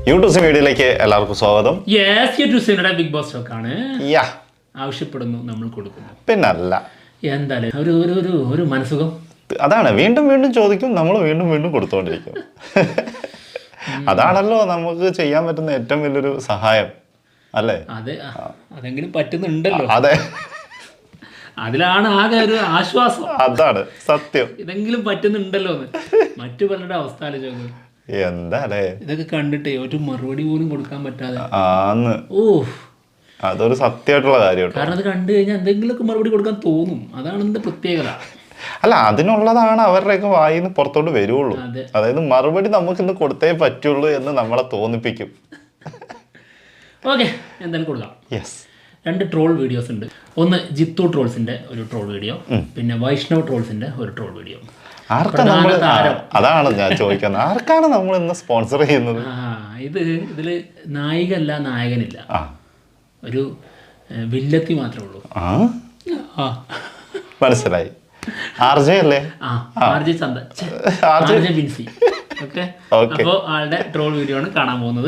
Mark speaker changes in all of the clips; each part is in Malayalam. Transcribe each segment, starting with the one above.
Speaker 1: യൂട്യൂബ് വീഡിയോയിലേക്ക് എല്ലാവർക്കും സ്വാഗതം.
Speaker 2: ബിഗ് ബോസ് ഷോക്കാണ്. ആവശ്യപ്പെടുന്നു, നമ്മൾ കൊടുക്കുന്നു.
Speaker 1: പിന്നല്ല
Speaker 2: എന്തായാലും ഒരു മനസുഖം.
Speaker 1: അതാണ്, വീണ്ടും വീണ്ടും ചോദിക്കും, നമ്മൾ വീണ്ടും വീണ്ടും കൊടുത്തോണ്ടിരിക്കും. അതാണല്ലോ നമുക്ക് ചെയ്യാൻ പറ്റുന്ന ഏറ്റവും വലിയൊരു സഹായം, അല്ലേ?
Speaker 2: അതെ, അതെങ്കിലും പറ്റുന്നുണ്ടല്ലോ.
Speaker 1: അതെ,
Speaker 2: അതിലാണ് ആകെ ഒരു ആശ്വാസം.
Speaker 1: അതാണ് സത്യം.
Speaker 2: ഇതെങ്കിലും പറ്റുന്നുണ്ടല്ലോ എന്ന്. മറ്റു പലരുടെ അവസ്ഥ ആലോചിക്കും.
Speaker 1: എന്താ അല്ലേ,
Speaker 2: ഇതൊക്കെ കണ്ടിട്ടേ ഒരു മറുപടി പോലും കൊടുക്കാൻ പറ്റാതെ.
Speaker 1: അതൊരു സത്യമായിട്ടുള്ള കാര്യം.
Speaker 2: കാരണം അത് കണ്ടു കഴിഞ്ഞാൽ എന്തെങ്കിലുമൊക്കെ മറുപടി കൊടുക്കാൻ തോന്നും. അതാണ് ഇതിന്റെ പ്രത്യേകത.
Speaker 1: അല്ല, അതിനുള്ളതാണ് അവരുടെയൊക്കെ വായിന്ന് പുറത്തോട്ട് വരുള്ളൂ. അതായത് മറുപടി നമുക്ക് ഇന്ന് കൊടുത്തേ പറ്റുള്ളൂ എന്ന് നമ്മളെ തോന്നിപ്പിക്കും.
Speaker 2: ഓക്കെ, എന്തായാലും കൊടുക്കാം.
Speaker 1: യെസ്,
Speaker 2: 2 ട്രോൾ വീഡിയോസ് ഉണ്ട്. ഒന്ന് ജിത്തു ട്രോൾസിന്റെ ഒരു ട്രോൾ വീഡിയോ, പിന്നെ വൈഷ്ണവ് ട്രോൾസിന്റെ ഒരു ട്രോൾ വീഡിയോ.
Speaker 1: അതാണ് ഞാൻ ചോദിക്കുന്നത്, ആർക്കാണ് നമ്മൾ ഇന്ന് സ്പോൺസർ ചെയ്യുന്നത്?
Speaker 2: ഇതില് നായിക അല്ല, നായകനില്ല, ഒരു വില്ലത്തി മാത്രമേ ഉള്ളൂ.
Speaker 1: മനസ്സിലായി. ആർജെ അല്ലേ?
Speaker 2: ആർജെ ബിൻസി. അപ്പോ ആളുടെ ട്രോൾ വീഡിയോ ആണ് കാണാൻ പോകുന്നത്.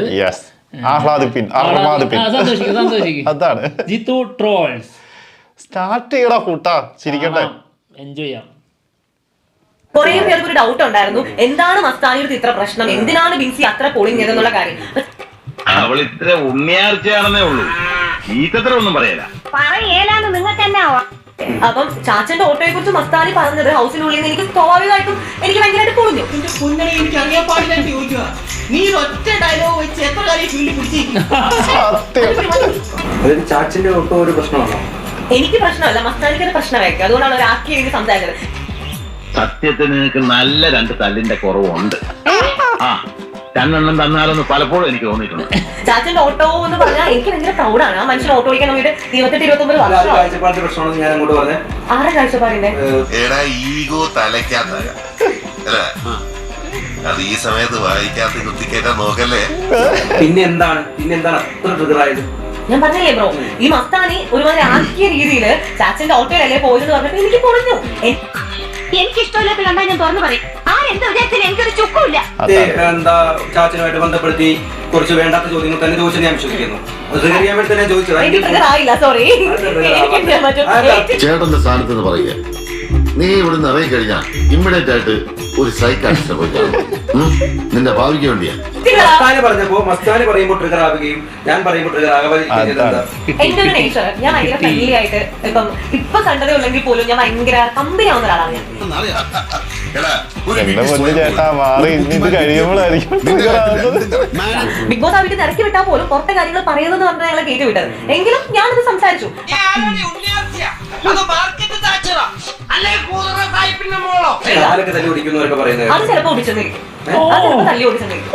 Speaker 1: അതാണ്
Speaker 2: ജിത്തു ട്രോൾസ്.
Speaker 1: സ്റ്റാർട്ട് ചെയ്യടാ കൂട്ടാ, ചിരിക്കട്ടെ,
Speaker 2: എൻജോയ് ചെയ്യാം.
Speaker 3: കുറേ പേർക്ക് ഒരു ഡൗട്ട് ഉണ്ടായിരുന്നു, എന്താണ് മസ്താനിയുടെ ഇത്ര പ്രശ്നം, എന്തിനാണ് ബിൻസി അത്ര പോളിംഗ് ചെയ്തെന്നുള്ള കാര്യം.
Speaker 4: അവൾ ഇത്ര ഉണ്ണിയാർച്ചയാണെന്നേ ഉള്ളൂ, ഈത്തത്ര ഒന്നും പറയല
Speaker 3: പറയേലാന്ന് നിങ്ങൾക്ക് തന്നെ ആവാം. അപ്പം ചാച്ചന്റെ ഓട്ടോയെ കുറിച്ച് മസ്താനി പറഞ്ഞത് ഹൗസിനുള്ളിൽ നിന്ന് എനിക്ക് സ്വാഭാവികമായിട്ടും എനിക്ക് ഭയങ്കരമായിട്ട് പൊളിഞ്ഞു.
Speaker 5: എനിക്ക് അറിയാൻ പാടില്ലായിട്ട് ചോദിക്കുക, നീ ഒറ്റ ഡയലോഗ് വെച്ച് എത്ര കാര്യം ഫീൽഡിൽ പിടിച്ചിരിക്കും.
Speaker 6: ചാച്ചന്റെ ഓട്ടോ ഒരു പ്രശ്നമാണോ?
Speaker 3: എനിക്ക് പ്രശ്നമല്ല, മസ്താനിക്ക് പ്രശ്നമായിരിക്കും. അതുകൊണ്ടാണ് ഒരു ആക്കി എഴുതി സംസാരിച്ചത്.
Speaker 4: സത്യത്തിന് നിനക്ക് നല്ല 2 തല്ലിന്റെ കുറവുണ്ട്. രണ്ടെണ്ണം തന്നാലെന്ന് പലപ്പോഴും എനിക്ക് തോന്നിയിട്ടുണ്ട്.
Speaker 3: ചാച്ചന്റെ ഓട്ടോ എന്ന് പറഞ്ഞാൽ എനിക്ക് ഭയങ്കര പ്രൗഡാണ്. ആ മനുഷ്യൻ ഓട്ടോ ഓടിക്കാൻ വേണ്ടിട്ട് 28-29 വർഷം. ആരുടെ കാഴ്ചപ്പാടിന്റെ
Speaker 7: ഈഗോ തലയ്ക്കാത്ത അത് ഈ സമയത്ത് വായിക്കാത്ത കുത്തിക്കേറ്റാൻ നോക്കല്ലേ.
Speaker 6: പിന്നെന്താണ് അത്ര ട്രിഗറായത്?
Speaker 3: ഞാൻ പറഞ്ഞില്ലേ ബ്രോ, ഈ മസ്താനി ഒരുമാതിരി ആക്കിയ രീതിയില് ചാച്ചന്റെ ഓട്ടോയിലല്ലേ പോയെന്ന് പറഞ്ഞപ്പോ എനിക്ക് പൊളിഞ്ഞു. എനിക്കിഷ്ടമില്ലാത്ത കണ്ടാൽ ഞാൻ തുറന്നു പറയും. ആരെന്താ വിചാരിച്ചാലും എനിക്കൊരു ചുക്കുമില്ല.
Speaker 6: എന്താ ചാച്ചനുമായിട്ട് ബന്ധപ്പെടുത്തി കുറച്ച് വേണ്ടാത്ത ചോദ്യങ്ങൾ തന്നെ ചോദിച്ചത് ഞാൻ വിശ്വസിക്കുന്നു.
Speaker 7: ചേട്ടന്റെ സ്ഥാനത്ത് നിന്ന് പറയുക, നീ ഇവിടുന്ന് ഇറങ്ങി കഴിഞ്ഞാൽ ഇമ്മീഡിയറ്റ് ആയിട്ട് ഒരു സൈക്കാട്രിസ്റ്റിനെ പോയി നിന്റെ ഭാവിക്ക് വേണ്ടിയാ.
Speaker 6: മസ്താനി പറയുമ്പോ ട്രിഗർ ആവുകയും ഞാൻ പറയുമ്പോ ട്രിഗർ
Speaker 3: എന്റെ ഒരു നേച്ചർ, ഞാൻ ഭയങ്കര ഫ്രണ്ട്ലി ആയിട്ട് ഇപ്പൊ കണ്ടതേ ഉള്ളെങ്കിൽ പോലും ഞാൻ ഭയങ്കര കമ്പനി ആവുന്ന ഒരാളാണ് ഞാൻ. ബിഗ് ബോസ് വീട്ടിൽ ഇറക്കി വിട്ടാൽ പോലും പുറത്തെ കാര്യങ്ങൾ പറയുന്നത് പറഞ്ഞാൽ ഞങ്ങളെ കയറ്റി വിട്ടത്. എങ്കിലും ഞാനത് സംസാരിച്ചു. അത് ചിലപ്പോ ഓടിച്ചെന്നിരിക്കും, തല്ലി ഓടിച്ചെന്നിരിക്കും.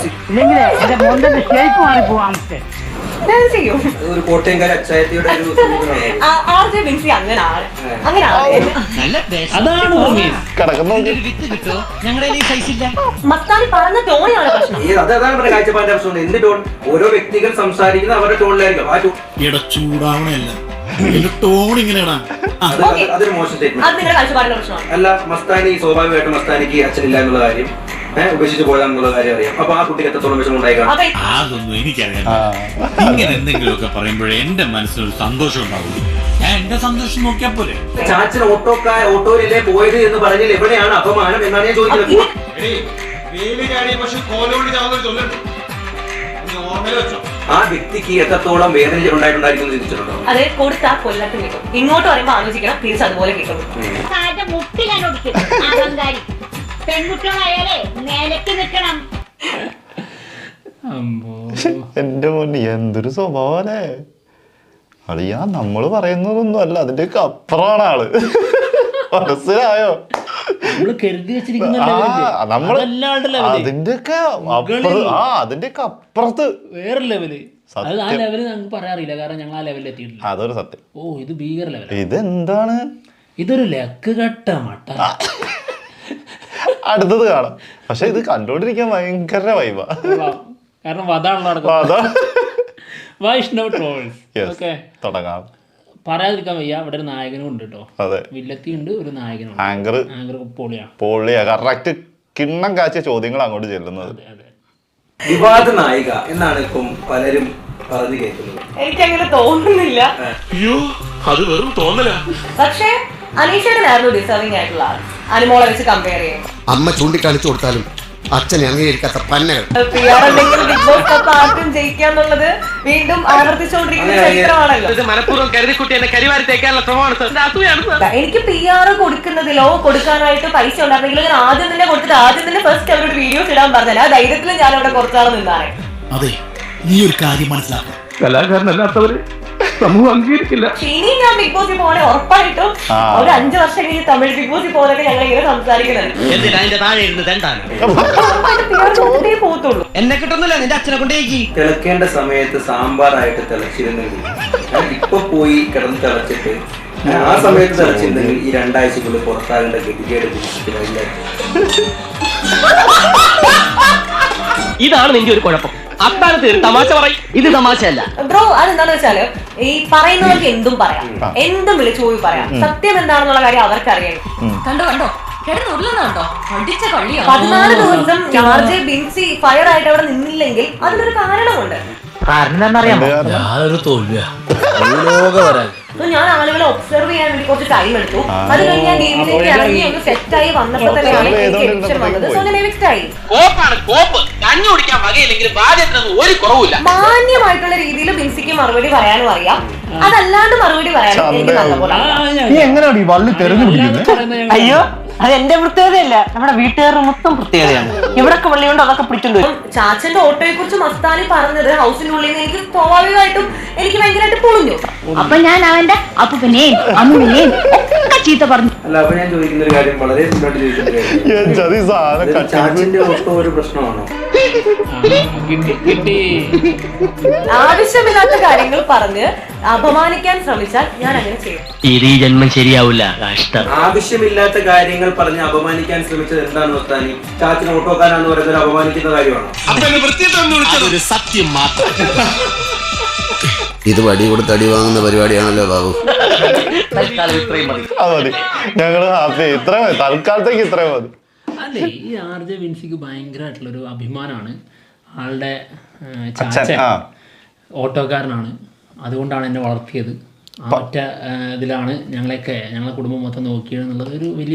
Speaker 6: ഒരു കോട്ടയംകാരി അച്ചായത്തിയുടെ
Speaker 3: ആർജെ ബിൻസി അങ്ങനെയാണ്. മസ്താനി പറഞ്ഞ ടോണിയാണ് പ്രശ്നം.
Speaker 6: അതാണ് പറഞ്ഞ കാഴ്ചപ്പാടിന്റെ പ്രശ്നം. എന്ത് ടോൺ? ഓരോ വ്യക്തികൾ സംസാരിക്കുന്ന അവരുടെ ടോണിലായിരിക്കും. ആ അതൊരു മോശം സ്റ്റേറ്റ്മെന്റ് അല്ല. മസ്താനി സ്വാഭാവികമായിട്ടും മസ്താനിക്ക് അച്ഛനില്ല എന്നുള്ള കാര്യം, ഉപേക്ഷിച്ച് പോയാന്നുള്ള കാര്യം അറിയാം. അപ്പൊ ആ കുട്ടിക്ക് എത്രത്തോളം വിഷമം ഉണ്ടായിക്കാണും.
Speaker 8: അതൊന്നും എനിക്കറിയാം. ഇങ്ങനെ എന്തെങ്കിലുമൊക്കെ പറയുമ്പോഴേ എന്റെ മനസ്സിനൊരു സന്തോഷം ഉണ്ടാവുള്ളൂ. ഞാൻ എന്റെ സന്തോഷം നോക്കിയാ പോലെ.
Speaker 6: ചാച്ചൻ ഓട്ടോയിലല്ലേ പോയത് എന്ന് പറഞ്ഞാൽ എവിടെയാണ് അപമാനം എന്നാണ് ഞാൻ ചോദിക്കുന്നത്. ആ വ്യക്തിക്ക് എത്രത്തോളം വേദന ഉണ്ടായിട്ടുണ്ടായിരിക്കും ചിന്തിച്ചിട്ടുണ്ടോ?
Speaker 3: അത് കൊടുത്താൽ കൊല്ലത്ത് കിട്ടും. ഇങ്ങോട്ട് പറയുമ്പോ ആലോചിക്കണം, തിരിച്ച് അതുപോലെ കിട്ടും.
Speaker 1: എന്റെ മോന് എന്തൊരു സ്വഭാവല്ലേ അളിയാ. നമ്മള് പറയുന്നതൊന്നും അല്ല, അതിന്റെയൊക്കെ അപ്പുറമാണ് ആള്. മനസ്സിലായോ? അതിന്റെയൊക്കെ അപ്പുറത്ത്
Speaker 2: വേറെ ലെവല്. ആ ലെവല് ഞങ്ങൾക്ക് പറയാറില്ല, കാരണം ഞങ്ങൾ ആ ലെവലിൽ എത്തിയിട്ടില്ല.
Speaker 1: അതൊരു സത്യം.
Speaker 2: ഓ, ഇത് ഭീകര ലെവൽ.
Speaker 1: ഇതെന്താണ്?
Speaker 2: ഇതൊരു ലക്ക് കെട്ട മട്ട.
Speaker 1: അടുത്തത് കാണാം. പക്ഷെ ഇത് കണ്ടോണ്ടിരിക്കാൻ ഭയങ്കര വൈബാ,
Speaker 2: കാരണം അതാണല്ലോ നടക്കുന്നത്. വൈഷ്ണവ് ട്രോൾസ്. ഓക്കെ,
Speaker 1: തുടങ്ങാം.
Speaker 2: പറയാതിരിക്കാൻ വയ്യ, ഇവിടെ ഒരു നായകനും ഉണ്ട് കേട്ടോ. വില്ലത്തി ഉണ്ട്, ഒരു നായകനും.
Speaker 1: ആങ്കർ പൊളിയാ. കറക്റ്റ് കിണ്ണം കാച്ചിയ ചോദ്യങ്ങൾ അങ്ങോട്ട് ചെല്ലുന്നത്.
Speaker 6: വിവാദ നായിക എന്നാണ് ഇപ്പം പലരും പറഞ്ഞു കേൾക്കുന്നത്.
Speaker 3: എനിക്കങ്ങനെ തോന്നുന്നില്ല.
Speaker 8: അയ്യോ അത് വെറും തോന്നലാ.
Speaker 3: പക്ഷേ അനീഷേട്ടനായിരുന്നു ഡിസേർവിംഗ് ആയിട്ടുള്ള ആൾ അനുമോളെ വെച്ച് കമ്പയർ ചെയ്യും.
Speaker 9: അമ്മ ചൂണ്ടിക്കാണിച്ചു കൊടുത്താലും അച്ഛനെ അംഗീകരിക്കാത്ത പന്നകൾ.
Speaker 3: ബിഗ് ബോസ് കപ്പ് ആർക്കും ജയിക്കാന്നുള്ളത് വീണ്ടും ആവർത്തിച്ചുകൊണ്ടിരിക്കുന്ന ചരിത്രമാണല്ലോ. എനിക്ക് PR കൊടുക്കുന്നതിലോ കൊടുക്കാനായിട്ട് പൈസ ഉണ്ടായിരുന്നെങ്കിൽ ഞാൻ ആദ്യം തന്നെ കൊടുത്തിട്ട് ആദ്യം തന്നെ ഫസ്റ്റ് അവരുടെ വീഡിയോസ് ഇടാൻ പറഞ്ഞില്ല. ആ ധൈര്യത്തിൽ ഞാൻ അവിടെ കുറച്ചാൾ നിന്നാണ്.
Speaker 8: അതെ നീ ഒരു കാര്യം മനസ്സിലാക്കണം,
Speaker 4: കലാകാരനല്ലാത്തവര് സമൂഹം അംഗീകരിക്കില്ല.
Speaker 3: ഇനി ഞാൻ ബിഗ് ബോസിൽ പോകണേ ഉറപ്പായിട്ടും ഒരു 5 വർഷം കഴിഞ്ഞ് തമിഴ് ബിഗ് ബോസിൽ പോകുന്നതൊക്കെ ഞങ്ങൾ ഇങ്ങനെ സംസാരിക്കുന്നുണ്ട്. പോകത്തുള്ളൂ.
Speaker 5: എന്നെ കിട്ടുന്നില്ല, നിന്റെ അച്ഛനെ കൊണ്ടേക്ക്.
Speaker 6: തിളക്കേണ്ട സമയത്ത് സാമ്പാറായിട്ട് തിളച്ചിരുന്നെങ്കിൽ ഇപ്പൊ പോയി കിടന്ന് തിളച്ചിട്ട് ആ സമയത്ത് തിളച്ചിരുന്നെങ്കിൽ ഈ 2 ആഴ്ചക്കുള്ളിൽ പുറത്താകേണ്ട ഗതികേട്
Speaker 5: ഇതാണ് നിന്റെ ഒരു കുഴപ്പം. അത്താഴത്ത് ഒരു തമാശ പറയും, ഇത് തമാശയല്ല
Speaker 3: ബ്രോ. അതെന്താന്ന് വെച്ചാല് ഈ പറയുന്നവർക്ക് എന്തും പറയാം, എന്തും വിളിച്ചു പോയി പറയാം. സത്യം എന്താണെന്നുള്ള കാര്യം അവർക്കറിയാം.
Speaker 10: കണ്ടോ കണ്ടോ കിടന്നുരുളുന്നുണ്ടോ?
Speaker 3: 14 ദിവസം ജോർജ് ബിൻസി ഫയർ ആയിട്ട് അവിടെ നിന്നില്ലെങ്കിൽ അതിനൊരു കാരണമുണ്ട്. ഞാൻ ആളുകളെ ഒബ്സർവ് ചെയ്യാൻ വേണ്ടി കുറച്ച് ടൈം എടുത്തു. അത് കഴിഞ്ഞ് ഞാൻ ഗെയിമിലേക്ക് ഇറങ്ങി ഒന്ന് സെറ്റ് ആയി വന്നപ്പോൾ തന്നെയാണ് എനിക്ക് എവിക്ഷൻ വന്നത്. സോ ഞാൻ എവിക്റ്റ് ആയി. മാന്യമായിട്ടുള്ള രീതിയിൽ ബിൻസിക്ക് മറുപടി പറയാനും അറിയാം, അതല്ലാണ്ട് മറുപടി പറയാനും എനിക്ക് നല്ലപോലെ
Speaker 5: അയ്യോ അത് എന്റെ പ്രത്യേകതയല്ല, നമ്മുടെ വീട്ടുകാരുടെ മൊത്തം പ്രത്യേകതയാണ്. ഇവിടൊക്കെ വെള്ളിയുണ്ട് അതൊക്കെ പിടിച്ചോണ്ട്.
Speaker 3: ചാച്ചന്റെ ഓട്ടോയെ കുറിച്ച് മസ്താനി പറഞ്ഞത് ഹൗസിനുള്ളിൽ നിന്ന് എനിക്ക് സ്വാഭാവികമായിട്ടും എനിക്ക് ഭയങ്കരമായിട്ട് പൊളിഞ്ഞു.
Speaker 10: അപ്പൊ ഞാൻ അവന്റെ അപ്പനെയും അമ്മനെയും ഒക്കെ ചീത്ത പറഞ്ഞു.
Speaker 6: അല്ല, അപ്പൊ ഞാൻ ചോദിക്കുന്ന ഒരു കാര്യം, വളരെ സിമ്പിളായിട്ട് ചോദിക്കുന്ന കാര്യം, ചാച്ചിന്റെ ഓട്ടോ ഒരു പ്രശ്നമാണോ?
Speaker 3: ആവശ്യമില്ലാത്ത കാര്യങ്ങൾ പറഞ്ഞ് അപമാനിക്കാൻ ശ്രമിച്ചാൽ ഞാൻ അങ്ങനെ ചെയ്യും.
Speaker 5: ഇത് ഈ ജന്മം ശരിയാവില്ല.
Speaker 6: ആവശ്യമില്ലാത്ത കാര്യങ്ങൾ പറഞ്ഞ് അപമാനിക്കാൻ ശ്രമിച്ചത് എന്താണ് മസ്താനി? ചാച്ചിന് ഓട്ടോക്കാരാന്ന് പറയുന്നത് അപമാനിക്കുന്ന കാര്യമാണോ?
Speaker 8: അതൊരു സത്യം മാത്രം.
Speaker 9: ഇത് വടി കൊടുത്ത് അടി വാങ്ങുന്ന പരിപാടിയാണല്ലോ ബാബു.
Speaker 1: മതി, ഞങ്ങള് തൽക്കാലത്തേക്ക് ഇത്രയും മതി.
Speaker 2: അല്ലേ, ഈ RJ വിൻസിക്ക് ഭയങ്കരമായിട്ടുള്ളൊരു അഭിമാനമാണ്. ആളുടെ ചാച്ചൻ ഓട്ടോക്കാരനാണ്, അതുകൊണ്ടാണ് എന്നെ വളർത്തിയത്. ആ ഒറ്റ ഇതിലാണ് ഞങ്ങളെ കുടുംബം മൊത്തം നോക്കിയത് എന്നുള്ളത് ഒരു വലിയ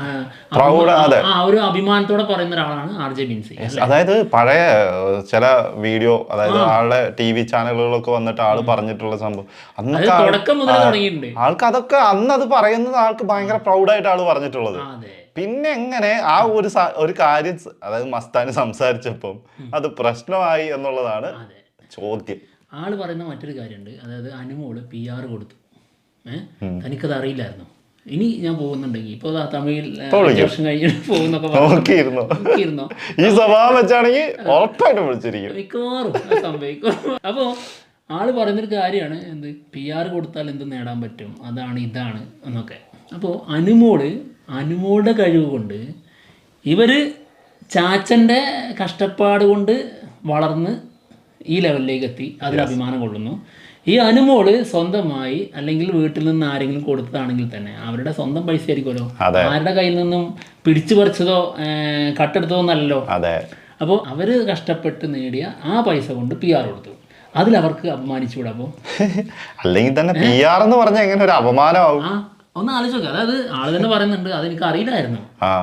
Speaker 2: ഒരു അഭിമാനത്തോടെ പറയുന്ന ഒരാളാണ് RJ വിൻസി.
Speaker 1: അതായത് പഴയ ചില വീഡിയോ, അതായത് ആളുടെ TV ചാനലുകളൊക്കെ വന്നിട്ട് ആള് പറഞ്ഞിട്ടുള്ള സംഭവം
Speaker 2: തുടക്കം മുതൽ തുടങ്ങിയിട്ടുണ്ട്.
Speaker 1: ആൾക്ക് അതൊക്കെ അന്ന് അത് പറയുന്നത് ആൾക്ക് ഭയങ്കര പ്രൗഡായിട്ട് ആള് പറഞ്ഞിട്ടുള്ളത്. പിന്നെ എങ്ങനെ ആ ഒരു കാര്യം, അതായത് മസ്താനി സംസാരിച്ചപ്പം അത് പ്രശ്നമായി എന്നുള്ളതാണ് ചോദ്യം.
Speaker 2: ആള് പറയുന്ന മറ്റൊരു കാര്യമുണ്ട്, അതായത് അനുമോള് PR കൊടുത്തു. തനിക്കത് അറിയില്ലായിരുന്നു. ഇനി ഞാൻ പോകുന്നുണ്ടെങ്കിൽ ഇപ്പൊ തമിഴിൽ വർഷം കഴിഞ്ഞിട്ട് പോകുന്നൊക്കെ
Speaker 1: ഈ സ്വഭാവം വെച്ചാണെങ്കിൽ ഉറപ്പായിട്ട് വിളിച്ചിരിക്കും,
Speaker 2: മിക്കവാറും സംഭവിക്കും. അപ്പോൾ ആള് പറയുന്നൊരു കാര്യമാണ്, എന്ത് PR കൊടുത്താൽ എന്ത് നേടാൻ പറ്റും, അതാണ് ഇതാണ് എന്നൊക്കെ. അപ്പോൾ അനുമോളുടെ കഴിവ് കൊണ്ട് ഇവര് ചാച്ചൻ്റെ കഷ്ടപ്പാട് കൊണ്ട് വളർന്ന് ഈ ലെവലിലേക്ക് എത്തി, അതിൽ അഭിമാനം കൊള്ളുന്നു. ഈ അനുമോള് സ്വന്തമായി അല്ലെങ്കിൽ വീട്ടിൽ നിന്ന് ആരെങ്കിലും കൊടുത്തതാണെങ്കിൽ തന്നെ അവരുടെ സ്വന്തം പൈസ ആയിരിക്കുമല്ലോ, ആരുടെ കയ്യിൽ നിന്നും പിടിച്ചു പറിച്ചതോ കട്ടെടുത്തതോ എന്നല്ലോ. അപ്പോൾ അവര് കഷ്ടപ്പെട്ട് നേടിയ ആ പൈസ കൊണ്ട് PR കൊടുത്തു, അതിലവർക്ക് അപമാനിച്ചുകൂടാ? അപ്പോൾ
Speaker 1: അല്ലെങ്കിൽ തന്നെ PR എന്ന് പറഞ്ഞാൽ എങ്ങനെ ഒരു അപമാനമാവും?
Speaker 2: ഒന്ന് ആലോചിച്ച് നോക്കുക. അതായത് ആള് തന്നെ പറയുന്നുണ്ട്, അതെനിക്ക് അറിയില്ലായിരുന്നു.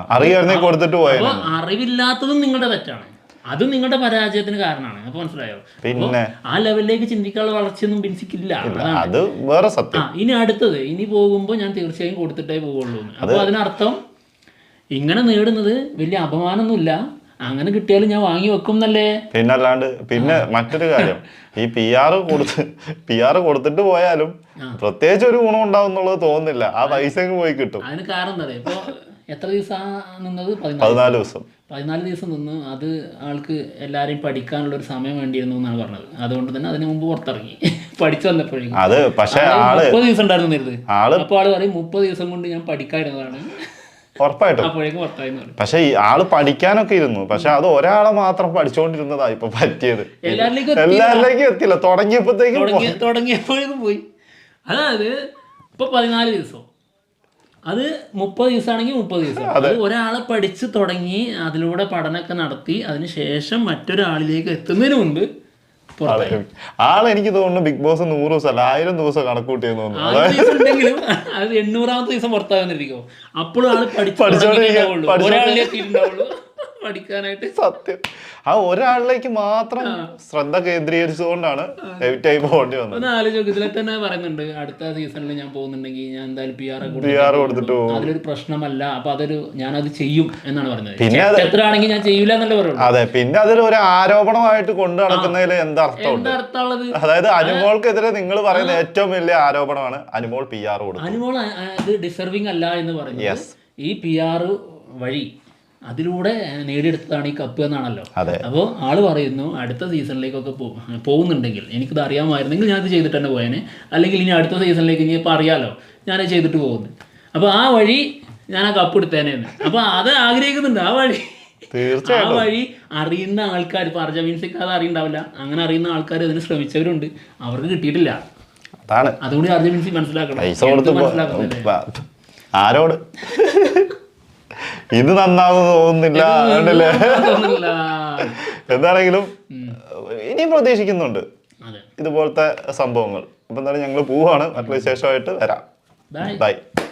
Speaker 1: അപ്പോൾ
Speaker 2: അറിവില്ലാത്തതും നിങ്ങളുടെ തെറ്റാണ്, അതും നിങ്ങളുടെ പരാജയത്തിന് കാരണമാണ്. അപ്പൊ മനസ്സിലായോ? പിന്നെ ആ ലെവലിലേക്ക് ചിന്തിക്കാനുള്ള വളർച്ചയൊന്നും ബിൻസിക്കില്ല.
Speaker 1: അത് വേറെ സത്യം.
Speaker 2: ഇനി അടുത്തത്, ഇനി പോകുമ്പോൾ ഞാൻ തീർച്ചയായും കൊടുത്തിട്ടേ പോവുള്ളൂ. അപ്പൊ അതിനർത്ഥം ഇങ്ങനെ നേടുന്നത് വലിയ അപമാനമൊന്നുമില്ല, അങ്ങനെ കിട്ടിയാലും ഞാൻ വാങ്ങി വെക്കും എന്നല്ലേ.
Speaker 1: പിന്നല്ലാണ്ട്. പിന്നെ മറ്റൊരു കാര്യം, ഈ PR കൊടുത്തിട്ട് പോയാലും പ്രത്യേകിച്ച് ഒരു ഗുണം ഉണ്ടാവും എന്നുള്ളത് തോന്നുന്നില്ല. ആ പൈസ പോയി കിട്ടും.
Speaker 2: അതിന് കാരണം എന്താ? ഇപ്പൊ എത്ര ദിവസം നിന്നത്?
Speaker 1: 14 ദിവസം.
Speaker 2: 14 ദിവസം നിന്ന്. അത് ആൾക്ക് എല്ലാരെയും പഠിക്കാനുള്ള ഒരു സമയം വേണ്ടിയിരുന്നു എന്നാണ് പറഞ്ഞത്. അതുകൊണ്ട് തന്നെ അതിന് മുമ്പ് പുറത്തിറങ്ങി പഠിച്ചു വന്നപ്പോഴേക്കും.
Speaker 1: അത് പക്ഷേ
Speaker 2: 30 ദിവസം ഉണ്ടായിരുന്നു നേരത്തെ. അപ്പോൾ ആള് പറയും 30 ദിവസം കൊണ്ട് ഞാൻ പഠിക്കാതിരുന്നതാണ്.
Speaker 1: ഉറപ്പായിട്ടും. പക്ഷെ ആള് പഠിക്കാനൊക്കെ ഇരുന്നു, പക്ഷെ അത് ഒരാളെ മാത്രം പഠിച്ചുകൊണ്ടിരുന്നതാ ഇപ്പൊ പറ്റിയത്. എല്ലാവരിലേക്കും എത്തില്ല, തുടങ്ങിയപ്പോഴേക്കും
Speaker 2: പോയി. അതായത് ഇപ്പൊ 14 ദിവസം അത് 30 ദിവസമാണെങ്കിൽ 30 ദിവസം. അത് ഒരാളെ പഠിച്ച് തുടങ്ങി അതിലൂടെ പഠനമൊക്കെ നടത്തി അതിന് ശേഷം മറ്റൊരാളിലേക്ക് എത്തുന്നതിന് മുൻപ്
Speaker 1: എനിക്ക് തോന്നുന്നു ബിഗ് ബോസ് 100 ദിവസം അല്ല 1000 ദിവസം കണക്കൂട്ടിയെന്ന് തോന്നുന്നു.
Speaker 2: ഉണ്ടെങ്കിലും അത് 800ാമത്തെ ദിവസം പുറത്താകുന്നിരിക്കോ അപ്പോഴും ആള് പഠിച്ചോണ്ടിരിക്കുള്ളൂ പഠിക്കാനായിട്ട്.
Speaker 1: സത്യം ആ ഒരാളിലേക്ക് മാത്രം ശ്രദ്ധ കേന്ദ്രീകരിച്ചുകൊണ്ടാണ് എവിറ്റ് ആയി പോകേണ്ടി വന്നത്.
Speaker 2: ആലോചിക്കും. ഇതിലെ തന്നെ പറയുന്നുണ്ട് അടുത്ത സീസണിൽ ഞാൻ പോകുന്നുണ്ടെങ്കിൽ ഞാൻ എന്തായാലും
Speaker 1: PR കൊടുത്തിട്ട് പോകും.
Speaker 2: അതിലൊരു പ്രശ്നമല്ല, അപ്പൊ അതൊരു ഞാനത് ചെയ്യും എന്നാണ് പറഞ്ഞത്. പിന്നെ എത്ര ആണെങ്കിൽ ഞാൻ ചെയ്യൂല എന്നല്ലേ പറയുള്ളൂ.
Speaker 1: അതെ, പിന്നെ അതൊരു ഒരു ആരോപണമായിട്ട് കൊണ്ടു നടക്കുന്നതിൽ എന്താ
Speaker 2: അർത്ഥമുള്ളത്?
Speaker 1: അതായത് അനുമോൾക്കെതിരെ നിങ്ങൾ പറയുന്ന ഏറ്റവും വലിയ ആരോപണമാണ് അനുമോൾ PR കൊടുത്തു.
Speaker 2: അനുമോൾ അത് ഡിസർവിങ് അല്ല എന്ന് പറയുന്നത് ഈ PR വഴി അതിലൂടെ നേടിയെടുത്തതാണ് ഈ കപ്പ് എന്നാണല്ലോ. അപ്പോൾ ആള് പറയുന്നു അടുത്ത സീസണിലേക്കൊക്കെ പോകുന്നുണ്ടെങ്കിൽ എനിക്കിത് അറിയാമായിരുന്നെങ്കിൽ ഞാനത് ചെയ്തിട്ട് തന്നെ പോയേനെ, അല്ലെങ്കിൽ ഇനി അടുത്ത സീസണിലേക്ക് ഇനി ഇപ്പോൾ അറിയാലോ ഞാനത് ചെയ്തിട്ട് പോകുന്നു, അപ്പോൾ ആ വഴി ഞാൻ ആ കപ്പ് എടുത്തേനെന്ന്. അപ്പോൾ അത് ആഗ്രഹിക്കുന്നുണ്ട്. ആ വഴി അറിയുന്ന ആൾക്കാർ, ഇപ്പോൾ അർജമീൻസിക്ക് അത് അറിയണ്ടാവില്ല, അങ്ങനെ അറിയുന്ന ആൾക്കാർ അതിന് ശ്രമിച്ചവരുണ്ട്, അവർക്ക് കിട്ടിയിട്ടില്ല. അതുകൊണ്ട് അർജമീൻസി മനസ്സിലാക്കണം.
Speaker 1: ആരോട് ഇത് നന്നാവുന്ന തോന്നുന്നില്ല. എന്താണെങ്കിലും ഇനിയും പ്രതീക്ഷിക്കുന്നുണ്ട് ഇതുപോലത്തെ സംഭവങ്ങൾ. അപ്പൊ എന്തായാലും ഞങ്ങൾ പോവാണ്. മറ്റൊരു വിശേഷമായിട്ട് വരാം. ബൈ.